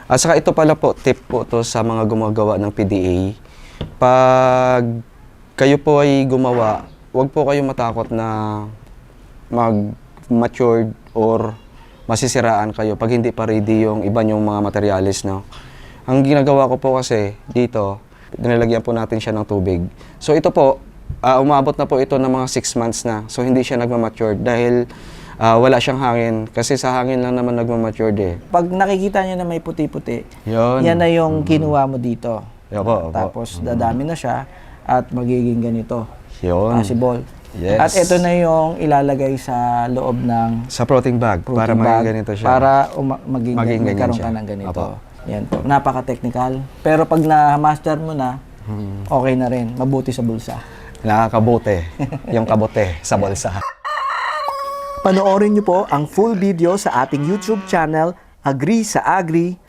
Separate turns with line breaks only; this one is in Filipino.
At saka ito pala po, tip po to sa mga gumagawa ng PDA. Pag kayo po ay gumawa, huwag po kayong matakot na mag-matured or masisiraan kayo pag hindi pa ready yung iba yung mga materialis, no? Ang ginagawa ko po kasi dito, nilalagyan po natin siya ng tubig. So ito po, umabot na po ito ng mga 6 months na. So hindi siya nagmamature dahil wala siyang hangin. Kasi sa hangin lang naman nagmamature eh.
Pag nakikita nyo na may puti-puti,
Yun.
yan na yung kinuha mo dito.
Opo, opo.
Tapos dadami na siya at magiging ganito.
Yun.
Possible.
Yes.
At ito na yung ilalagay sa loob ng
Sa protein bag, para
protein bag,
maging ganito siya.
para maging
ganyan
magkaroon
siya.
ka ng ganito.
Opo.
Yan po. Napaka-technical. Pero pag na-master mo na, okay na rin. Mabuti sa bulsa.
Nakakabote. Yung kabote sa bulsa.
Panoorin niyo po ang full video sa ating YouTube channel, Agree sa Agri,